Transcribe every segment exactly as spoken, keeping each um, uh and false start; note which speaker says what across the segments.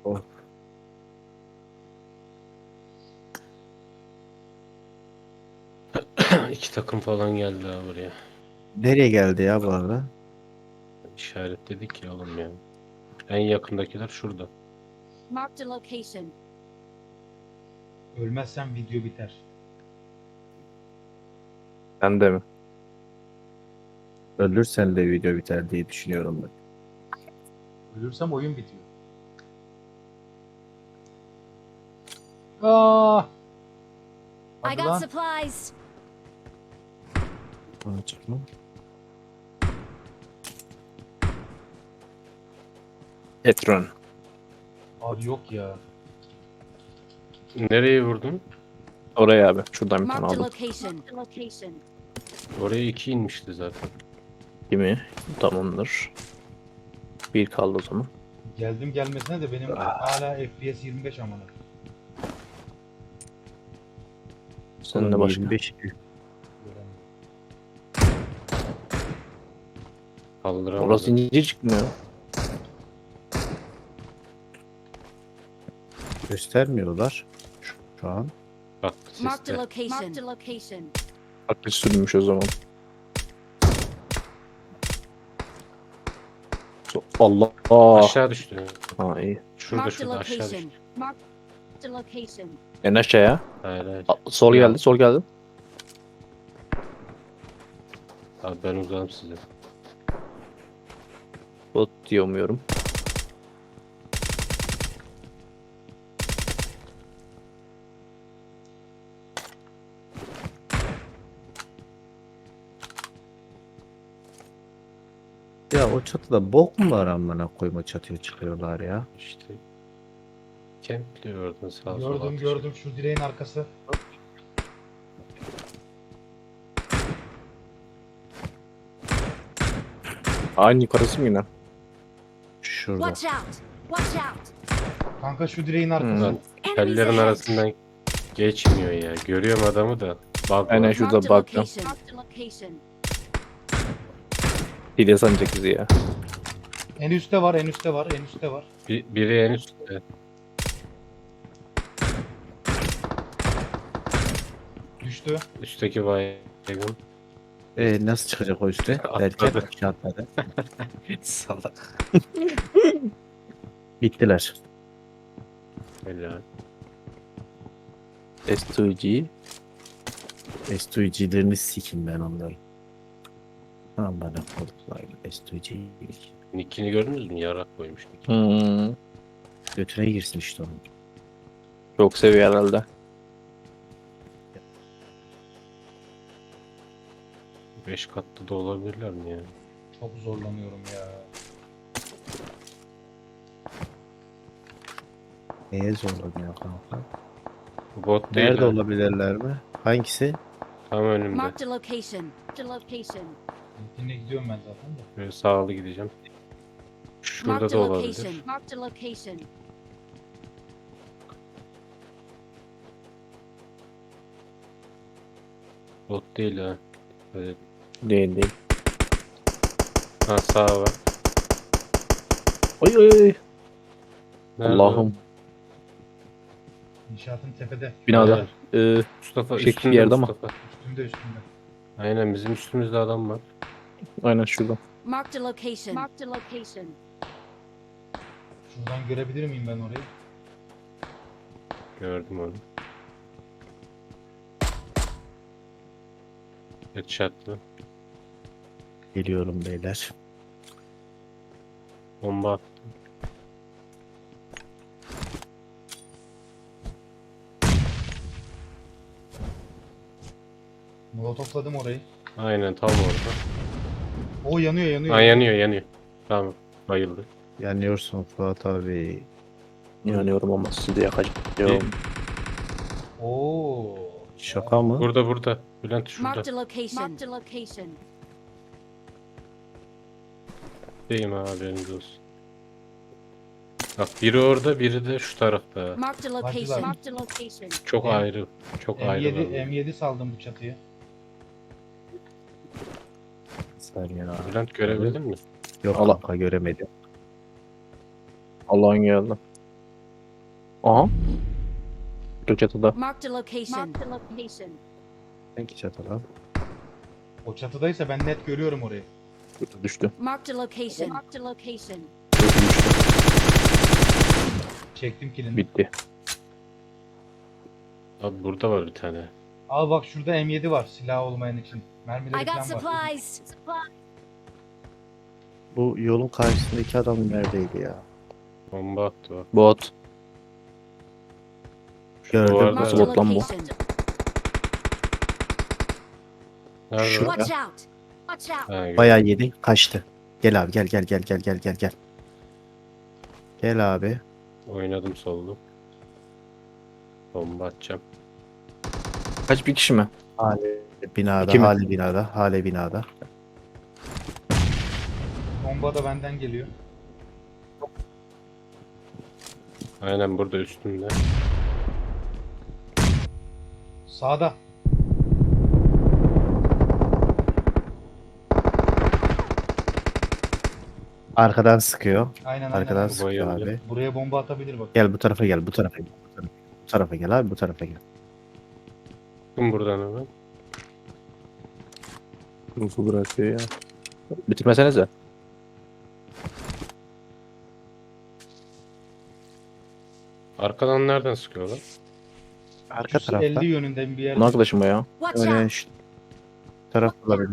Speaker 1: Oh.
Speaker 2: İki takım falan geldi ha buraya.
Speaker 1: Nereye geldi ya bu arada?
Speaker 2: İşaretledik ya oğlum ya. En yakındakiler şurada.
Speaker 3: Marked a location.
Speaker 4: Ölmezsem video biter.
Speaker 1: Sen de mi? Ölürsen de video biter diye düşünüyorum ben.
Speaker 4: Ölürsem oyun bitiyor. Aa!
Speaker 3: I
Speaker 4: Hadi
Speaker 3: got
Speaker 4: lan.
Speaker 3: supplies.
Speaker 1: Bana çıkma. Etron.
Speaker 4: Abi yok ya.
Speaker 2: Nereye vurdun?
Speaker 1: Oraya abi. Şuradan bir tane
Speaker 3: Marked a
Speaker 1: aldım.
Speaker 3: location. Marked a location.
Speaker 2: Oraya iki inmişti zaten.
Speaker 1: Kimi? Tamamdır. Bir kaldı o zaman.
Speaker 4: Geldim gelmesine de benim hala F P S yirmi beş amına.
Speaker 1: Sen de başka.
Speaker 4: Göremedim.
Speaker 2: Kaldıramadım.
Speaker 1: Orası niye çıkmıyor? Göstermiyorlar şu, şu an.
Speaker 2: Bak
Speaker 3: Marked a
Speaker 2: siste.
Speaker 3: location. Marked a location.
Speaker 1: Aklı sürmüş o zaman. So- Allah. Aa.
Speaker 2: Aşağı düştü.
Speaker 1: Ha iyi.
Speaker 2: Şurada
Speaker 3: Marked a
Speaker 2: şurada aşağı düştü.
Speaker 3: location. Marked a location.
Speaker 1: En aşağıya.
Speaker 2: Hayır hayır.
Speaker 1: A- Sol
Speaker 2: Ya.
Speaker 1: geldi, sol geldi.
Speaker 2: Abi ben uzağım size.
Speaker 1: Bot diyemiyorum. Ya o çatıda bok mu var amına koyma çatıya çıkıyorlar ya.
Speaker 2: İşte. Kempliyor oradan sağa sola.
Speaker 4: Gördüm
Speaker 2: atış.
Speaker 4: gördüm şu direğin arkası.
Speaker 1: Aynı yukarısı mı yine? Şurada.
Speaker 3: Watch out. Watch out.
Speaker 4: Kanka şu direğin arkası.
Speaker 2: Lan
Speaker 3: Enemies
Speaker 2: tellerin
Speaker 3: ahead.
Speaker 2: arasından geçmiyor ya. Görüyorum adamı da. Bug
Speaker 1: Aynen
Speaker 2: var.
Speaker 1: şurada
Speaker 3: Marked a
Speaker 1: baktım.
Speaker 3: location. Marked a location.
Speaker 1: Hile sanacak bizi ya.
Speaker 4: En üstte var en üstte var en üstte var.
Speaker 2: Bir, biri en üstte.
Speaker 4: Düştü.
Speaker 2: Üstteki baygın.
Speaker 1: Ee, nasıl çıkacak o üste?
Speaker 2: Atladı.
Speaker 1: Derken aşağı atladı.
Speaker 2: Salak.
Speaker 1: Bittiler.
Speaker 2: Helal.
Speaker 1: S iki G. S iki G'lerini sikim ben onları. Tamam bana kodlar. S iki G.
Speaker 2: Nick'ini gördünüz mü? Yarak koymuş Nick.
Speaker 1: Hmm. Götüne girsin işte onun. Çok seviyor herhalde.
Speaker 2: Beş katlı da olabilirler mi ya?
Speaker 4: Çok zorlanıyorum ya.
Speaker 1: Neye zorlanıyor kanka?
Speaker 2: Bot değil
Speaker 1: Nerede
Speaker 2: ha.
Speaker 1: olabilirler mi? Hangisi?
Speaker 2: Tam önümde.
Speaker 3: Marked a location. Marked a location.
Speaker 4: Yine gidiyorum ben zaten de.
Speaker 2: Böyle sağlı gideceğim. Şurada
Speaker 3: Marked
Speaker 2: da
Speaker 3: a
Speaker 2: olabilir.
Speaker 3: location. Marked a location.
Speaker 2: Bot değil ha. Böyle...
Speaker 1: Değil değil.
Speaker 2: Ha sağ var.
Speaker 1: Oy oy oy.
Speaker 2: Nerede
Speaker 1: Allah'ım.
Speaker 4: İnşaatın tepede.
Speaker 1: Binada. Ee,
Speaker 2: Mustafa
Speaker 1: Şey,
Speaker 2: üstünde
Speaker 1: bir yerde ama.
Speaker 2: Mustafa.
Speaker 4: Üstümde üstümde.
Speaker 2: Aynen bizim üstümüzde adam var.
Speaker 1: aynen şurada.
Speaker 3: Marked a location. Marked a location.
Speaker 4: Şuradan görebilir miyim ben orayı?
Speaker 2: Gördüm onu. Headshot'lı.
Speaker 1: Geliyorum beyler.
Speaker 2: Bomba attı.
Speaker 4: Molotofladım orayı.
Speaker 2: Aynen tam orada.
Speaker 4: O yanıyor yanıyor.
Speaker 2: Ha yanıyor yanıyor. Tamam. Bayıldı.
Speaker 1: Yanıyorsun Fuat abi. Yanıyorum ama sizi de yakacağım.
Speaker 4: Oo.
Speaker 1: Şaka mı?
Speaker 2: Burada burada. Bülent şurada.
Speaker 3: Marked a location. Marked a location.
Speaker 2: Deyim ha haberiniz olsun. Bak biri orada biri de şu tarafta.
Speaker 3: Marked a
Speaker 4: Hadi
Speaker 3: location.
Speaker 4: lan.
Speaker 3: Marked a location.
Speaker 2: Çok
Speaker 4: M-
Speaker 2: ayrı. Çok ayrı.
Speaker 4: M yedi,
Speaker 2: bölge.
Speaker 4: M yedi saldım bu çatıya.
Speaker 1: Saniye abi.
Speaker 2: Bülent görebildin mi?
Speaker 1: Yok Allah. kanka göremedim.
Speaker 2: Allah'ın geldi.
Speaker 5: Aha. Gökçeada'da.
Speaker 3: Marked a location. Marked a location.
Speaker 1: Hangi çatıda?
Speaker 4: O çatıdaysa ben net görüyorum orayı.
Speaker 5: Düştü.
Speaker 3: Marked a location. Marked a location.
Speaker 5: Düştü düştü.
Speaker 4: Çektim kilini.
Speaker 5: Bitti.
Speaker 2: Abi burada var bir tane.
Speaker 4: Al bak şurada M yedi var silah olmayan için. Mermileri
Speaker 3: I got
Speaker 4: falan var.
Speaker 3: supplies.
Speaker 1: Bu yolun karşısındaki adam neredeydi ya?
Speaker 2: Bomba attı bak.
Speaker 5: Bot.
Speaker 1: Gördüm.
Speaker 2: duvarda-
Speaker 3: Marked a
Speaker 5: Slot lan bu.
Speaker 3: location.
Speaker 2: Nerede?
Speaker 1: Şu-
Speaker 2: o?
Speaker 3: Watch out. Watch out.
Speaker 2: Ha, gördüm.
Speaker 1: Bayağı yedi. Kaçtı. Gel abi gel gel gel gel gel gel gel. Gel abi.
Speaker 2: Oynadım soldu. Bomba atacağım.
Speaker 5: Kaç bir kişi mi?
Speaker 1: Hale binada,
Speaker 5: İki mi?
Speaker 1: hale binada, hale binada.
Speaker 4: Bomba da benden geliyor.
Speaker 2: Aynen burada üstünde.
Speaker 4: Sağda.
Speaker 1: Arkadan sıkıyor.
Speaker 4: Aynen aynen.
Speaker 1: Arkadan
Speaker 4: aynen.
Speaker 1: sıkıyor
Speaker 2: bayıldı.
Speaker 1: abi.
Speaker 4: Buraya bomba atabilir bak.
Speaker 1: Gel bu tarafa gel, bu tarafa gel. Bu tarafa, bu tarafa gel abi, bu tarafa gel.
Speaker 2: Çıkın buradan hemen.
Speaker 5: Rufu bırakıyor ya. Bitirmesenize.
Speaker 2: Arkadan nereden sıkıyorlar?
Speaker 1: Arka
Speaker 4: Şu
Speaker 1: tarafta.
Speaker 4: elli yönünden bir yer.
Speaker 5: Bunun arkadaşım bu ya.
Speaker 3: Watch
Speaker 1: Öyle
Speaker 3: out.
Speaker 1: şu taraf olabilir.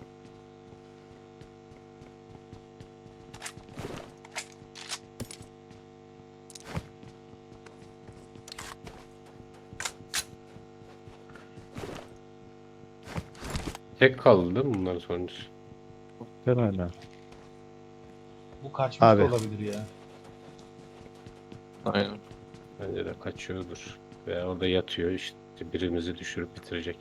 Speaker 2: Tek kaldı değil mi bunların sonuncusu?
Speaker 1: Herhalde.
Speaker 4: Bu kaçmış
Speaker 1: Abi.
Speaker 4: da olabilir ya.
Speaker 5: Aynen.
Speaker 2: Bence de kaçıyordur. Veya orada yatıyor işte birimizi düşürüp bitirecek.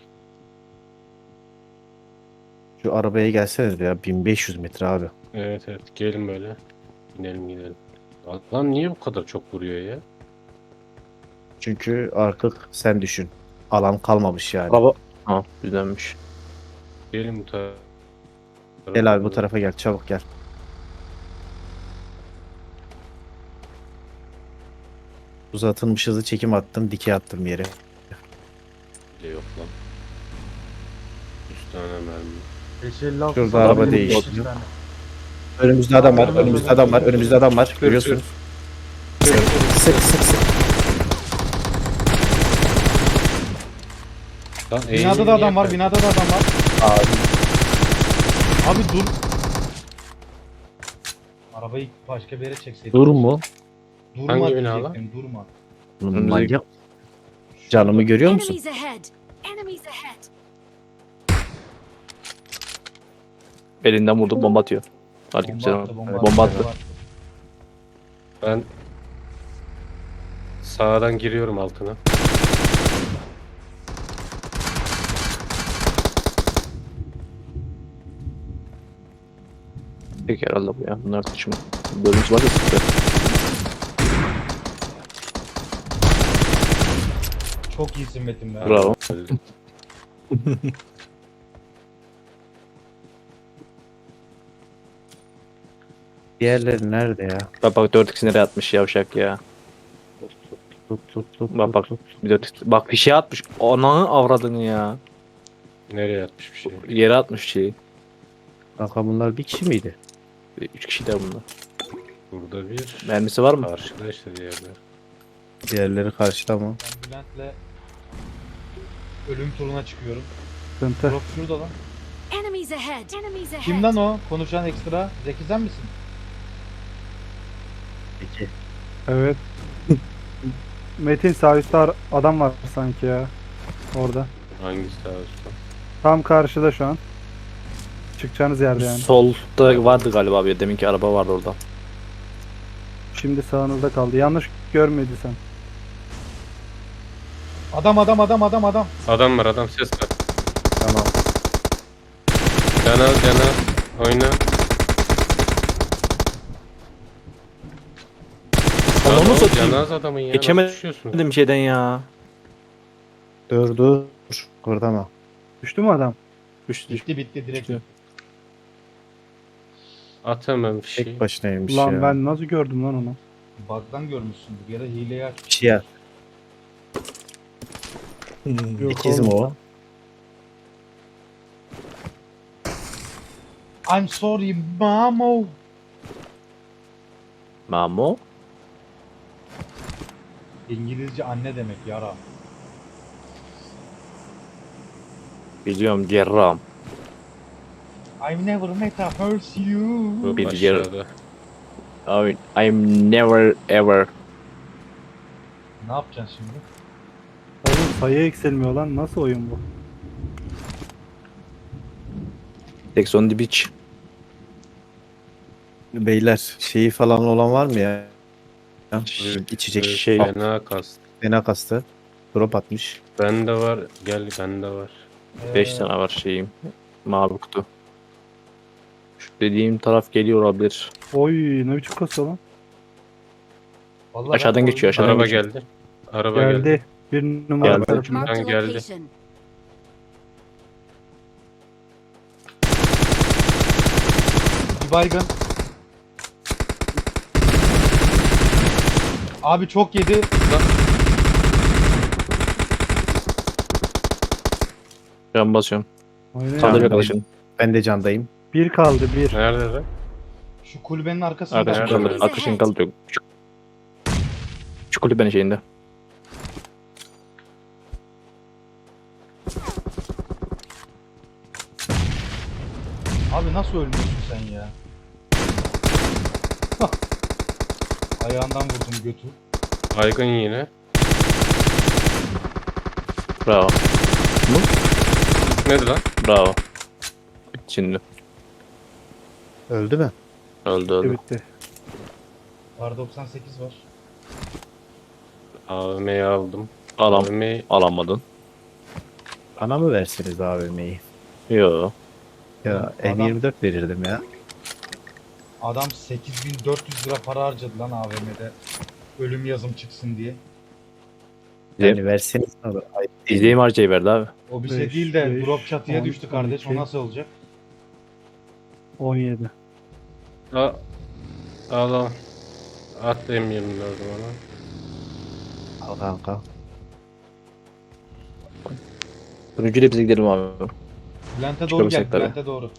Speaker 1: Şu arabaya gelseniz ya bin beş yüz metre abi.
Speaker 2: Evet evet gelin böyle. Binelim gidelim. Lan niye bu kadar çok vuruyor ya?
Speaker 1: Çünkü artık sen düşün. Alan kalmamış yani.
Speaker 5: Araba. Ha düzenmiş.
Speaker 2: Gelin bu tarafa.
Speaker 1: Gel abi bu tarafa gel, çabuk gel. Uzatılmış hızlı çekim attım, dikey attım yere.
Speaker 2: Bile yok lan. üç tane mermi.
Speaker 4: beş elli altı
Speaker 1: Şurada
Speaker 4: sağda
Speaker 1: araba
Speaker 4: benim
Speaker 1: değişti.
Speaker 4: beş tane.
Speaker 1: Önümüzde adam var, önümüzde adam var, önümüzde adam var. Görüyorsunuz. Sık sık sık sık.
Speaker 2: Lan
Speaker 4: Binada
Speaker 2: eğimini
Speaker 4: da adam
Speaker 2: niye
Speaker 4: var,
Speaker 2: kaybettin?
Speaker 4: binada da adam var.
Speaker 1: Abi
Speaker 4: Abi dur. Arabayı başka bir yere çekseydim.
Speaker 5: Dur mu?
Speaker 4: Durma
Speaker 2: Hangi bina lan?
Speaker 4: diyecektim, durma.
Speaker 1: bunun manyak. Canımı görüyor musun?
Speaker 3: Enemies ahead. Enemies ahead.
Speaker 5: Elinden vurdu bomba atıyor.
Speaker 4: Bomba
Speaker 5: Aleykümselam.
Speaker 4: attı, bomba,
Speaker 5: Bomba
Speaker 4: attı.
Speaker 5: attı.
Speaker 2: Ben sağdan giriyorum altına.
Speaker 5: Tek herhalde bu ya. Bunlar taşıma. Bölümümüz var ya sıktı.
Speaker 4: Çok iyisin Metin be.
Speaker 5: Bravo.
Speaker 2: Öldüm.
Speaker 1: Diğerleri nerede ya?
Speaker 5: Bak bak dört x nereye atmış yavşak ya.
Speaker 1: Tut tut tut.
Speaker 5: Bak bak. Bir dört x. Bak bir şey atmış. Ananı avradını ya.
Speaker 2: Nereye atmış bir şey?
Speaker 5: Yere atmış şeyi.
Speaker 1: Kanka bunlar bir kişi miydi?
Speaker 5: Üç kişi de bunlar.
Speaker 2: Burada bir.
Speaker 5: Mermisi var mı?
Speaker 2: Karşıda işte diğerler.
Speaker 1: Diğerleri karşıda mı?
Speaker 4: Ben Bülent'le ölüm turuna çıkıyorum.
Speaker 6: Sıkıntı.
Speaker 4: Drop şurada lan.
Speaker 3: Enemies ahead. Enemies ahead.
Speaker 4: Kim lan o? Konuşan ekstra. Zeki sen misin?
Speaker 1: Peki.
Speaker 6: Evet. Metin sağ üstte ar- adam var sanki ya. Orada.
Speaker 2: Hangisi daha üstte?
Speaker 6: Tam karşıda şu an. Çıkacağınız yerde yani.
Speaker 5: Solda vardı galiba abi. Deminki araba vardı orada.
Speaker 6: Şimdi sağınızda kaldı. Yanlış görmediysen.
Speaker 4: Adam adam adam adam adam.
Speaker 2: Adam var adam ses var.
Speaker 1: Tamam.
Speaker 2: Canal canal. Oyna.
Speaker 5: Onu
Speaker 2: Lan o
Speaker 5: satayım.
Speaker 2: Canaz adamın ya.
Speaker 5: Geçemedim.
Speaker 2: Nasıl düşüyorsun?
Speaker 5: Dedim şeyden ya.
Speaker 1: Dur dur. Kıvırdama.
Speaker 6: Düştü mü adam?
Speaker 5: Düştü.
Speaker 4: Bitti bitti direkt.
Speaker 5: Düştü.
Speaker 2: At hemen bir şey.
Speaker 1: Tek başınaymış
Speaker 6: Ulan
Speaker 1: ya.
Speaker 6: ben nasıl gördüm lan onu?
Speaker 4: Bug'dan görmüşsündür ya da hileye aç.
Speaker 1: Bir şey yap.
Speaker 6: Yok
Speaker 1: İkiz mi
Speaker 6: oğlum.
Speaker 1: o?
Speaker 4: I'm sorry mamo.
Speaker 5: Mamo.
Speaker 4: İngilizce anne demek yara.
Speaker 5: Biliyorum cerrahım.
Speaker 4: I've never met a horse you.
Speaker 2: Bu
Speaker 5: Bir
Speaker 2: aşağıda.
Speaker 5: I I'm never ever.
Speaker 4: Ne yapacaksın şimdi?
Speaker 6: Oğlum sayı eksilmiyor lan. Nasıl oyun bu?
Speaker 5: Sex on the beach.
Speaker 1: Beyler şeyi falan olan var mı ya? Ya, İçecek
Speaker 2: Ee,
Speaker 1: şey.
Speaker 2: Fena kast.
Speaker 1: Fena kastı. Drop atmış.
Speaker 2: Bende var. Gel bende var.
Speaker 5: beş
Speaker 4: Ee,
Speaker 5: tane var şeyim. Mavi kutu. Şu dediğim taraf geliyor olabilir.
Speaker 6: Oy ne biçim kasıyor lan?
Speaker 4: vallahi
Speaker 5: Aşağıdan
Speaker 4: ben
Speaker 5: geçiyor,
Speaker 4: oyunu-
Speaker 5: aşağıdan
Speaker 2: Araba
Speaker 5: geçiyor.
Speaker 2: geldi. Araba geldi.
Speaker 6: Geldi. Bir numara
Speaker 5: Geldi.
Speaker 6: tarafından.
Speaker 3: Marked a
Speaker 2: geldi.
Speaker 3: location.
Speaker 4: Bir baygın. Abi çok yedi.
Speaker 5: Can basıyorum.
Speaker 6: Oynayın.
Speaker 5: Kaldır
Speaker 1: Tamam.
Speaker 5: arkadaşın.
Speaker 1: Ben de candayım.
Speaker 6: Bir kaldı bir.
Speaker 2: Nerede lan?
Speaker 4: Şu kulübenin arkasında.
Speaker 5: Arkadaşın
Speaker 2: Nerede?
Speaker 5: kaldır.
Speaker 3: Enemies
Speaker 5: Arkadaşın
Speaker 3: ahead.
Speaker 5: kaldırıyor. Şu, şu kulübenin şeyinde.
Speaker 4: Abi nasıl ölmüyorsun sen ya? Hah. Ayağından vurdum götü.
Speaker 2: Baygın yine.
Speaker 5: Bravo.
Speaker 2: Neydi lan?
Speaker 5: Bravo. Şimdi.
Speaker 1: Öldü mü?
Speaker 5: Öldü öldü.
Speaker 6: Bitti.
Speaker 4: R doksan sekiz var.
Speaker 2: A V M'yi aldım.
Speaker 5: Alam.
Speaker 2: A V M'yi
Speaker 5: Alamadın.
Speaker 1: Bana mı versiniz A V M'yi?
Speaker 5: Yo.
Speaker 1: Ya
Speaker 4: Adam-
Speaker 1: M yirmi dört verirdim ya.
Speaker 4: Adam sekiz bin dört yüz lira para harcadı lan A V M'de. Ölüm yazım çıksın diye.
Speaker 1: Yani verseniz ne olur? Ayıp değil mi?
Speaker 5: İzleyim harcayı verdi abi.
Speaker 4: O bir şey
Speaker 6: Beş,
Speaker 4: değil de
Speaker 6: beş,
Speaker 4: drop çatıya
Speaker 6: on,
Speaker 4: düştü kardeş. O
Speaker 6: on iki.
Speaker 4: nasıl olacak?
Speaker 6: on yedi.
Speaker 2: al. Al al. At M yirmi dördü bana.
Speaker 1: Al kanka.
Speaker 5: Turuncuyla bize gidelim abi.
Speaker 4: Bülent'e doğru
Speaker 5: Çıkalım
Speaker 4: gel.
Speaker 5: sektöre.
Speaker 4: Bülent'e doğru.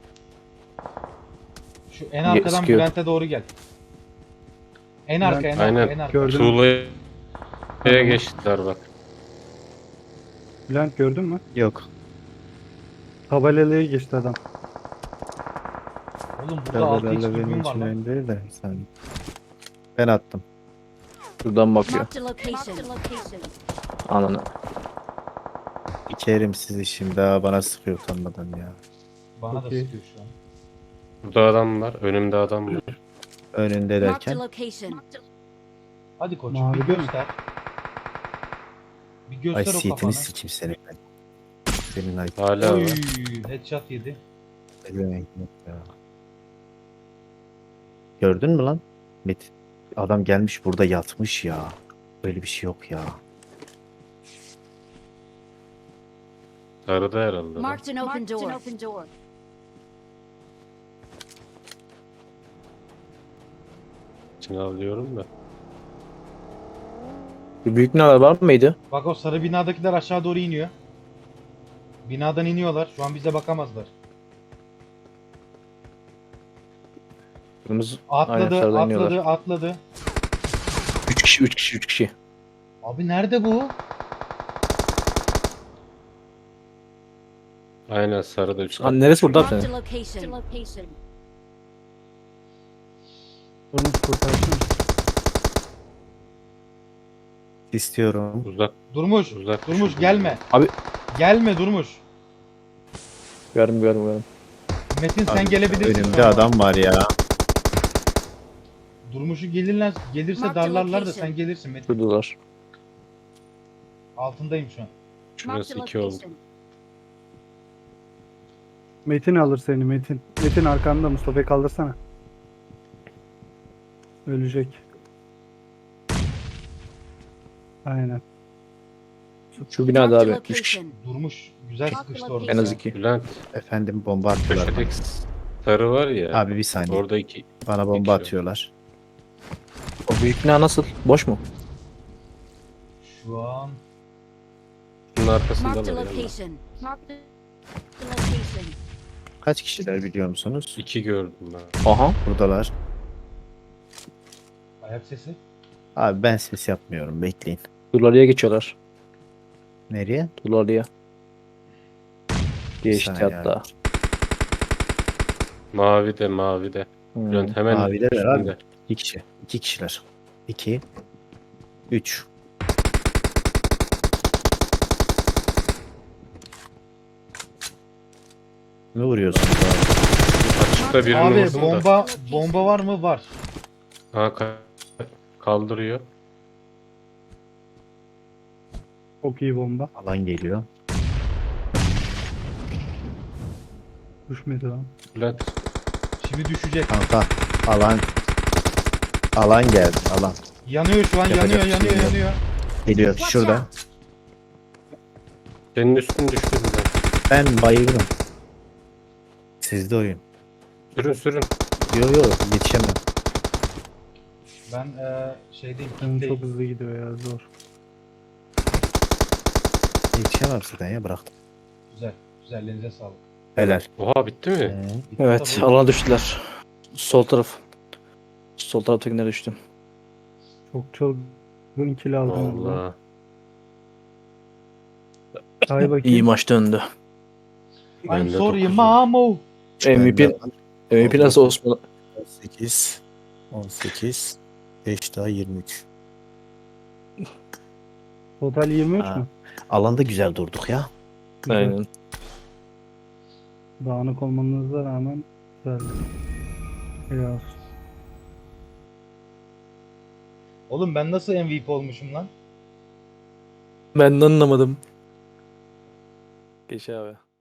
Speaker 4: Şu en arkadan
Speaker 5: sıkıyor.
Speaker 4: Bülent'e doğru gel. En arka, en arka,
Speaker 2: Aynen.
Speaker 4: en arka.
Speaker 6: Gördüm.
Speaker 2: Tuğla'ya
Speaker 6: Tamam.
Speaker 2: geçtiler bak.
Speaker 6: Bülent gördün mü?
Speaker 1: Yok.
Speaker 6: Tabelalıya geçti adam.
Speaker 4: Oğlum burada altı x
Speaker 1: Tabelalarla benim
Speaker 4: dürbün var
Speaker 1: için
Speaker 4: lan.
Speaker 1: önemli değil de sen. Ben attım.
Speaker 5: Şuradan bakıyor.
Speaker 3: Marked a location.
Speaker 5: Ananı.
Speaker 1: İkerim sizi şimdi daha bana sıkıyor utanmadan ya.
Speaker 4: Bana da
Speaker 6: Okey.
Speaker 4: sıkıyor şu an.
Speaker 2: Burada adam var. Önümde adam var.
Speaker 1: Önünde
Speaker 3: Marked a
Speaker 1: derken.
Speaker 3: location.
Speaker 4: Hadi koçum
Speaker 6: Mavi
Speaker 4: bir
Speaker 6: değil mi?
Speaker 4: göster. Bir
Speaker 1: Ay
Speaker 4: göster o
Speaker 1: siyetini
Speaker 4: kafanı.
Speaker 1: sikim seni ben. Senin ay
Speaker 2: Hala
Speaker 4: Oy,
Speaker 2: var.
Speaker 4: headshot yedi.
Speaker 1: demek ya. Gördün mü lan? Metin. Adam gelmiş burada yatmış ya. Böyle bir şey yok ya.
Speaker 2: Sarıda herhalde. lan.
Speaker 3: Marked an open door.
Speaker 2: İçine alıyorum da.
Speaker 5: Bir büyük binalar var mıydı?
Speaker 4: Bak o sarı binadakiler aşağı doğru iniyor. Binadan iniyorlar. Şu an bize bakamazlar.
Speaker 5: Kırmızı. Aynen,
Speaker 4: Atladı,
Speaker 5: sarıdan
Speaker 4: atladı,
Speaker 5: iniyorlar.
Speaker 4: atladı.
Speaker 5: Üç kişi, üç kişi, üç kişi.
Speaker 4: Abi nerede bu?
Speaker 2: Aynen sarıda üç.
Speaker 5: Lan neresi burada
Speaker 3: Marked
Speaker 5: senin?
Speaker 3: a location.
Speaker 6: Onu kurtarsın.
Speaker 1: İstiyorum.
Speaker 2: Uzak
Speaker 4: Durmuş,
Speaker 2: uzak.
Speaker 4: Durmuş
Speaker 2: düşürdüm.
Speaker 4: gelme.
Speaker 5: Abi-
Speaker 4: Gelme Durmuş.
Speaker 5: Görüm görüm görüm.
Speaker 4: Metin sen
Speaker 1: Abi,
Speaker 4: gelebilirsin.
Speaker 1: önümde
Speaker 4: sonra.
Speaker 1: adam var ya.
Speaker 4: Durmuş'u gelirler, gelirse
Speaker 3: Mark the
Speaker 4: darlarlar da
Speaker 3: location.
Speaker 4: sen gelirsin Metin.
Speaker 5: Şuradalar.
Speaker 4: Altındayım şu an.
Speaker 2: Şurası
Speaker 3: Marked a
Speaker 2: iki oldu.
Speaker 3: location.
Speaker 6: Metin alır seni Metin. Metin arkanda, Mustafa'yı kaldırsana. Ölecek. Aynen.
Speaker 5: Şu binada
Speaker 3: Marked a
Speaker 5: abi. Üç kişi.
Speaker 3: location.
Speaker 4: Durmuş güzel
Speaker 3: Mark the
Speaker 4: sıkıştı orada.
Speaker 5: En az
Speaker 4: ya.
Speaker 5: iki.
Speaker 2: Bülent
Speaker 1: Efendim bomba atıyorlar bana.
Speaker 2: köşedeki sarı var ya.
Speaker 1: Abi bir saniye.
Speaker 2: Orada iki.
Speaker 1: Bana bomba
Speaker 2: İki.
Speaker 1: atıyorlar. O
Speaker 5: Büyük bina nasıl? Boş mu?
Speaker 4: Şu an
Speaker 2: Bunun
Speaker 3: Marked a
Speaker 2: arkasındalar ya.
Speaker 3: location. Marked a location.
Speaker 1: Kaç kişiler biliyor musunuz?
Speaker 2: İki gördüm ben.
Speaker 5: Aha.
Speaker 1: Buradalar.
Speaker 4: ayak sesi.
Speaker 1: Abi ben ses yapmıyorum. Bekleyin.
Speaker 5: Dulalı'ya geçiyorlar.
Speaker 1: Nereye?
Speaker 5: Dulalı'ya. Geçti
Speaker 1: saniye
Speaker 5: hatta.
Speaker 2: Mavi de mavi de.
Speaker 5: Hmm.
Speaker 2: Bülent hemen
Speaker 1: Mavideler abi.
Speaker 2: üstünde.
Speaker 1: İki kişi. İki kişiler. İki. Üç. Ne vuruyorsunuz abi?
Speaker 2: Açıkta birini
Speaker 4: Abi
Speaker 2: vurdum da.
Speaker 4: bomba bomba var mı? Var.
Speaker 2: Ha, ka- kaldırıyor.
Speaker 6: Çok iyi bomba.
Speaker 1: Alan geliyor.
Speaker 6: Düşmedi lan.
Speaker 2: Bülent
Speaker 4: Şimdi düşecek.
Speaker 1: Kanka alan alan geldi alan.
Speaker 4: Yanıyor şu an,
Speaker 1: Yapacak
Speaker 4: yanıyor,
Speaker 1: bir şey
Speaker 4: yanıyor,
Speaker 1: yok.
Speaker 4: yanıyor.
Speaker 1: Geliyor
Speaker 3: Watch
Speaker 1: şurada.
Speaker 3: out.
Speaker 2: senin üstün düştü Bülent.
Speaker 1: Ben bayıldım. Sizde oyun.
Speaker 2: Sürün sürün.
Speaker 1: Yo yo yetişemem.
Speaker 4: Ben eee şeydeyim,
Speaker 6: Benim çok
Speaker 4: kitleyim.
Speaker 6: hızlı gidiyor ya zor.
Speaker 1: Yetişemem zaten ya bıraktım.
Speaker 4: Güzel, güzel, elinize sağlık.
Speaker 1: Helal.
Speaker 2: Oha bitti mi?
Speaker 1: Ee,
Speaker 5: Evet,
Speaker 4: Tabii.
Speaker 5: alana düştüler. Sol taraf. Sol taraftakine düştüm.
Speaker 6: Çok çılgın kill aldım. orada.
Speaker 2: Allah.
Speaker 6: Hay bakayım.
Speaker 5: İyi maç döndü.
Speaker 4: I'm
Speaker 2: Ben de
Speaker 4: sorry
Speaker 2: dokuzum.
Speaker 4: mamo.
Speaker 5: M V P, M V P nasıl Osman?
Speaker 1: on sekiz. on sekiz. beş daha yirmi üç.
Speaker 6: Total yirmi üç
Speaker 1: Ha.
Speaker 6: mü?
Speaker 1: Alanda güzel durduk ya.
Speaker 6: Güzel.
Speaker 5: Aynen.
Speaker 6: Dağınık olmanıza rağmen güzeldi. Helal olsun.
Speaker 4: Oğlum ben nasıl M V P olmuşum lan?
Speaker 5: Ben de anlamadım. Geç abi.